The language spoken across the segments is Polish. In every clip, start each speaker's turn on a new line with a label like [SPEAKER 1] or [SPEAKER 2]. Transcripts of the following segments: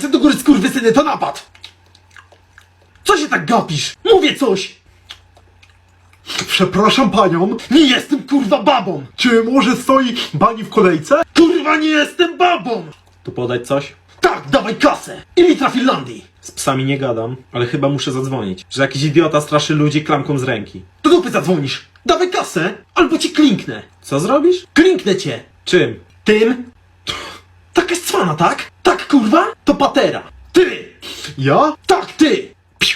[SPEAKER 1] Ręce do góry, skurwysyny, to napad! Co się tak gapisz? Mówię coś!
[SPEAKER 2] Przepraszam panią,
[SPEAKER 1] Nie jestem kurwa babą!
[SPEAKER 2] czy może stoi pani w kolejce?
[SPEAKER 1] Kurwa nie jestem babą!
[SPEAKER 3] Tu podać coś?
[SPEAKER 1] Tak, dawaj kasę! I litra Finlandii!
[SPEAKER 3] Z psami nie gadam, ale chyba muszę zadzwonić, że jakiś idiota straszy ludzi klamką z ręki.
[SPEAKER 1] Do dupy zadzwonisz! Dawaj kasę, albo ci klinknę!
[SPEAKER 3] Co zrobisz?
[SPEAKER 1] Klinknę cię!
[SPEAKER 3] Czym?
[SPEAKER 1] Tym? Taka jest cwana, tak? Tak, kurwa? To patera! Ty!
[SPEAKER 2] Ja?
[SPEAKER 1] Tak, ty! Piu.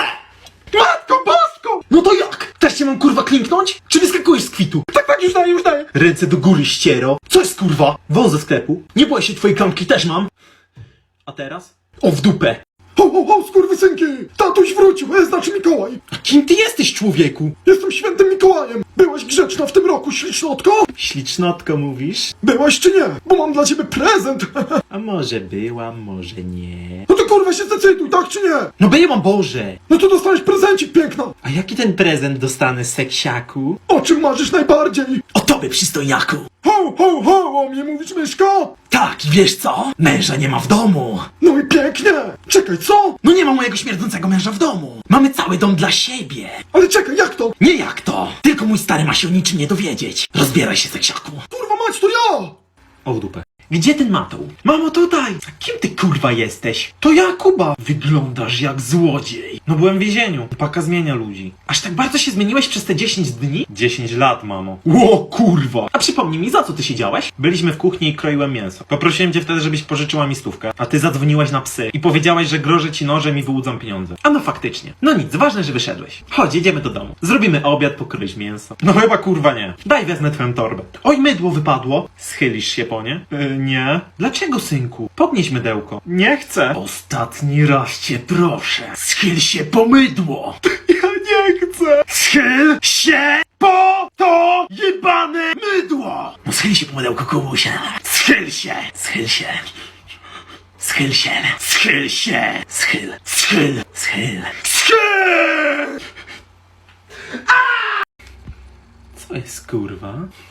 [SPEAKER 1] Matko bosko! No to jak? Też cię mam kurwa klinknąć? Czy wyskakujesz z kwitu? Tak, już daję, już daję! Ręce do góry, ściero! Co jest kurwa?
[SPEAKER 3] Wąs ze sklepu.
[SPEAKER 1] Nie boję się, twojej klamki też mam!
[SPEAKER 3] A teraz?
[SPEAKER 1] O, w dupę!
[SPEAKER 2] Ho, ho, ho, skurwysynki! Tatuś wrócił, znaczy Mikołaj!
[SPEAKER 1] A kim ty jesteś, człowieku?
[SPEAKER 2] Jestem świętym Mikołajem! Byłaś grzeczna w tym roku, ślicznotko?
[SPEAKER 3] Ślicznotko mówisz?
[SPEAKER 2] Byłaś czy nie? Bo mam dla ciebie prezent!
[SPEAKER 3] A może byłam, może nie.
[SPEAKER 2] No to kurwa się zdecyduj, tak czy nie?
[SPEAKER 1] No byłam Boże!
[SPEAKER 2] No to dostaniesz prezencik, piękna!
[SPEAKER 3] A jaki ten prezent dostanę, seksiaku?
[SPEAKER 2] O czym marzysz najbardziej?
[SPEAKER 1] O tobie, przystojniaku!
[SPEAKER 2] Ho, ho, ho, o mnie mówisz, myszka?
[SPEAKER 1] Tak, i wiesz co? Męża nie ma w domu!
[SPEAKER 2] No i pięknie! Czekaj, co?
[SPEAKER 1] No nie ma mojego śmierdzącego męża w domu! Mamy cały dom dla siebie!
[SPEAKER 2] Ale czekaj, jak to?
[SPEAKER 1] Nie jak to! Tylko mój stary ma się o niczym nie dowiedzieć! Rozbieraj się, seksiaku!
[SPEAKER 2] Kurwa mać, to ja!
[SPEAKER 3] O w dupę.
[SPEAKER 1] Gdzie ten matoł? Mamo, tutaj! A kim ty kurwa jesteś? To ja, Kuba! Wyglądasz jak złodziej!
[SPEAKER 3] No byłem w więzieniu. Paka zmienia ludzi.
[SPEAKER 1] Aż tak bardzo się zmieniłeś przez te 10 dni?
[SPEAKER 3] 10 lat, mamo.
[SPEAKER 1] Ło, kurwa! A przypomnij mi, za co ty siedziałeś?
[SPEAKER 3] Byliśmy w kuchni i kroiłem mięso. Poprosiłem cię wtedy, żebyś pożyczyła mi stówkę, a ty zadzwoniłaś na psy i powiedziałaś, że grożę ci nożem i wyłudzam pieniądze.
[SPEAKER 1] A no faktycznie. No nic, ważne, że wyszedłeś. Chodź, jedziemy do domu.
[SPEAKER 3] Zrobimy obiad, pokroisz mięso. No chyba kurwa nie. Daj wezmę twoją torbę.
[SPEAKER 1] Oj, mydło wypadło.
[SPEAKER 3] Schylisz się po nie? Nie.
[SPEAKER 1] Dlaczego, synku?
[SPEAKER 3] Podnieś mydełko. Nie chcę.
[SPEAKER 1] Ostatni raz cię proszę. Schyl się po mydło.
[SPEAKER 3] Ja nie chcę.
[SPEAKER 1] Schyl się po to jebane mydło. No schyl się po mydełko, Kubusia. Schyl się. Schyl się. Schyl się. Schyl się. Schyl. Schyl. Schyl. Schyl!
[SPEAKER 3] Co jest kurwa?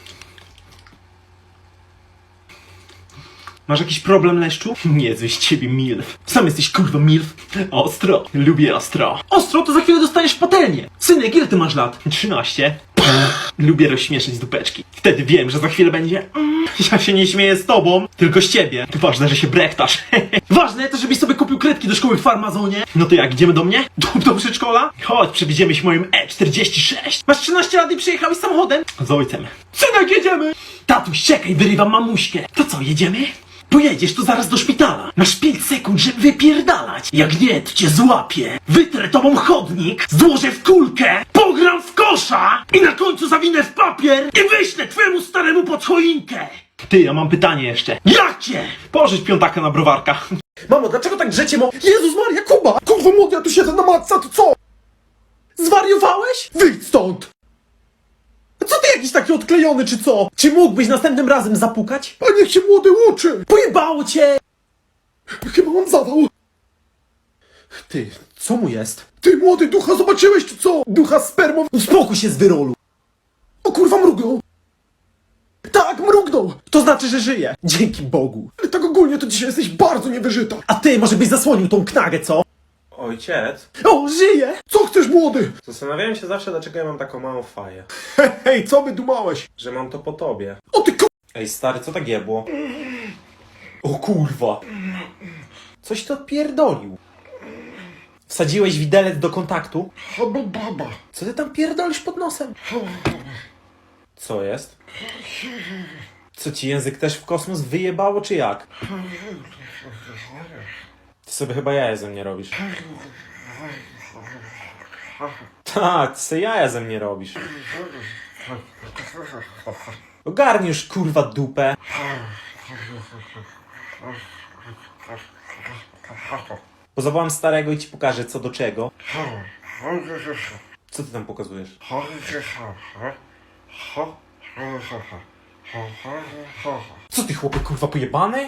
[SPEAKER 3] Masz jakiś problem, leszczu?
[SPEAKER 1] Niezły z ciebie milf. Sam jesteś kurwa milf. Ostro. Lubię ostro. Ostro to za chwilę dostaniesz patelnię. Synek, ile ty masz lat?
[SPEAKER 3] 13.
[SPEAKER 1] Lubię rozśmieszyć dupeczki. Wtedy wiem, że za chwilę będzie...
[SPEAKER 3] Ja się nie śmieję z tobą, tylko z ciebie.
[SPEAKER 1] Ważne, że się brechtasz. Ważne to, żebyś sobie kupił kredki do szkoły w Farmazonie.
[SPEAKER 3] No to jak, idziemy do mnie?
[SPEAKER 1] Do przedszkola? Chodź, przewieziemy się moim E46. Masz 13 lat i przyjechałeś samochodem?
[SPEAKER 3] Z ojcem.
[SPEAKER 1] Synek, jedziemy! Tatuś, czekaj, wyrywam mamuśkę. To co, jedziemy? Pojedziesz tu zaraz do szpitala. Masz 5 sekund, żeby wypierdalać. Jak nie, to cię złapię. Wytrę tobą chodnik, złożę w kulkę, pogram w kosza i na końcu zawinę w papier i wyślę twojemu staremu pod choinkę.
[SPEAKER 3] Ty, ja mam pytanie jeszcze.
[SPEAKER 1] Jakie?
[SPEAKER 3] Pożycz piątaka na browarka.
[SPEAKER 1] Mamo, dlaczego tak drzecie
[SPEAKER 2] Jezus Maria, Kuba! Kurwa młody, ja tu siedzę na matce, to co?
[SPEAKER 1] Zwariowałeś?
[SPEAKER 2] Wyjdź stąd!
[SPEAKER 1] Co ty jakiś taki odklejony, czy co? Czy mógłbyś następnym razem zapukać?
[SPEAKER 2] A niech się młody uczy!
[SPEAKER 1] Pojebało cię!
[SPEAKER 2] Chyba mam zawał.
[SPEAKER 1] Ty, co mu jest?
[SPEAKER 2] Ty młody, ducha zobaczyłeś czy co? Ducha spermą.
[SPEAKER 1] Uspokój się z wyrolu.
[SPEAKER 2] O kurwa, mrugnął. Tak, mrugnął.
[SPEAKER 1] To znaczy, że żyje. Dzięki Bogu.
[SPEAKER 2] Ale tak ogólnie to dzisiaj jesteś bardzo niewyżyta.
[SPEAKER 1] A ty może byś zasłonił tą knagę, co?
[SPEAKER 3] Ojciec?
[SPEAKER 1] O, żyje!
[SPEAKER 2] Co chcesz, młody?
[SPEAKER 3] Zastanawiałem się zawsze, dlaczego ja mam taką małą faję.
[SPEAKER 2] Hej, co by dumałeś?
[SPEAKER 3] Że mam to po tobie.
[SPEAKER 2] O ty ku...
[SPEAKER 3] Ej stary, co tak jebło?
[SPEAKER 1] O kurwa. Coś to pierdolił. Wsadziłeś widelec do kontaktu?
[SPEAKER 2] Albo baba.
[SPEAKER 1] Co ty tam pierdolisz pod nosem?
[SPEAKER 3] Co jest? Co ci język też w kosmos wyjebało, czy jak? Ty sobie chyba jaja ze mnie robisz. Tak, ty sobie jaja ze mnie robisz. Ogarnij już kurwa dupę. Pozawołam starego i ci pokażę co do czego. Co ty tam pokazujesz?
[SPEAKER 1] Co ty chłopie kurwa pojebany?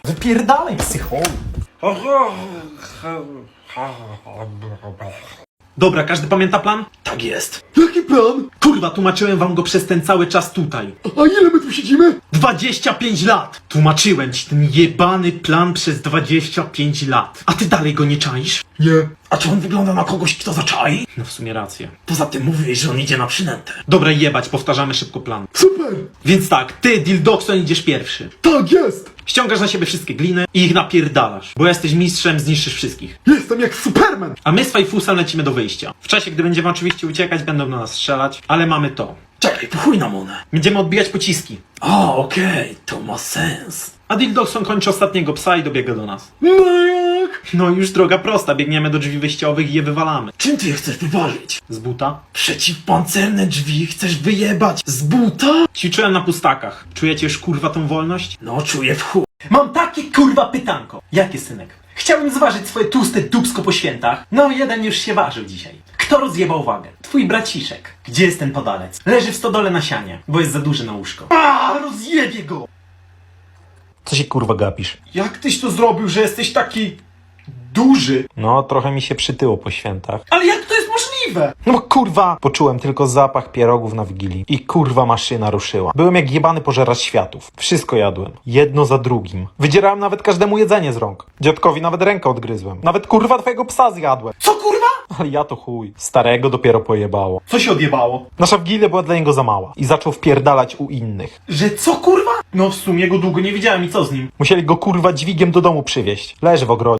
[SPEAKER 1] Wypierdalaj psycholu.
[SPEAKER 3] Dobra, każdy pamięta plan?
[SPEAKER 1] Tak jest.
[SPEAKER 2] Jaki plan?
[SPEAKER 3] Kurwa, tłumaczyłem wam go przez ten cały czas tutaj.
[SPEAKER 2] A ile my tu siedzimy?
[SPEAKER 3] 25 lat! Tłumaczyłem ci ten jebany plan przez 25 lat. A ty dalej go nie czaisz?
[SPEAKER 2] Nie.
[SPEAKER 1] A czy on wygląda na kogoś, kto zaczai?
[SPEAKER 3] No w sumie rację.
[SPEAKER 1] Poza tym mówiłeś, że on idzie na przynętę.
[SPEAKER 3] Dobra, jebać, powtarzamy szybko plan.
[SPEAKER 2] Super.
[SPEAKER 3] Więc tak, ty, Dildokson, idziesz pierwszy.
[SPEAKER 2] Tak jest.
[SPEAKER 3] Ściągasz na siebie wszystkie gliny i ich napierdalasz. Bo jesteś mistrzem, zniszczysz wszystkich.
[SPEAKER 2] Jestem jak Superman.
[SPEAKER 3] A my z Fajfusem lecimy do wyjścia. W czasie, gdy będziemy oczywiście uciekać, będą na nas strzelać, ale mamy to.
[SPEAKER 1] Czekaj, po chuj na monę.
[SPEAKER 3] Będziemy odbijać pociski.
[SPEAKER 1] A, okej, to ma sens.
[SPEAKER 3] A Dildokson kończy ostatniego psa i dobiega do nas.
[SPEAKER 2] No jak?
[SPEAKER 3] No już droga prosta, biegniemy do drzwi wyjściowych i je wywalamy.
[SPEAKER 1] Czym ty je chcesz wyważyć?
[SPEAKER 3] Z buta?
[SPEAKER 1] Przeciwpancerne drzwi chcesz wyjebać z buta?
[SPEAKER 3] Ćwiczyłem na pustakach. Czujecie już kurwa tą wolność?
[SPEAKER 1] No, czuję w chuj.
[SPEAKER 3] Mam takie kurwa pytanko. Jakie, synek? Chciałbym zważyć swoje tłuste dupsko po świętach. No, jeden już się ważył dzisiaj. Kto rozjebał wagę? Twój braciszek. Gdzie jest ten podalec? Leży w stodole na sianie, bo jest za duży na łóżko.
[SPEAKER 1] A, rozjebie go!
[SPEAKER 3] Co się kurwa gapisz?
[SPEAKER 1] Jak tyś to zrobił, że jesteś taki duży?
[SPEAKER 3] No, trochę mi się przytyło po świętach.
[SPEAKER 1] Ale jak to jest możliwe?
[SPEAKER 3] No bo kurwa! Poczułem tylko zapach pierogów na Wigilii. I kurwa maszyna ruszyła. Byłem jak jebany pożeracz światów. Wszystko jadłem. Jedno za drugim. Wydzierałem nawet każdemu jedzenie z rąk. Dziadkowi nawet rękę odgryzłem. Nawet kurwa twojego psa zjadłem.
[SPEAKER 1] Co kurwa?
[SPEAKER 3] Ale ja to chuj. Starego dopiero pojebało.
[SPEAKER 1] Co się odjebało?
[SPEAKER 3] Nasza Wigilia była dla niego za mała. I zaczął wpierdalać u innych.
[SPEAKER 1] Że co kurwa?
[SPEAKER 3] No w sumie go długo nie widziałem i co z nim? Musieli go kurwa dźwigiem do domu przywieźć. Leży w ogrodzie.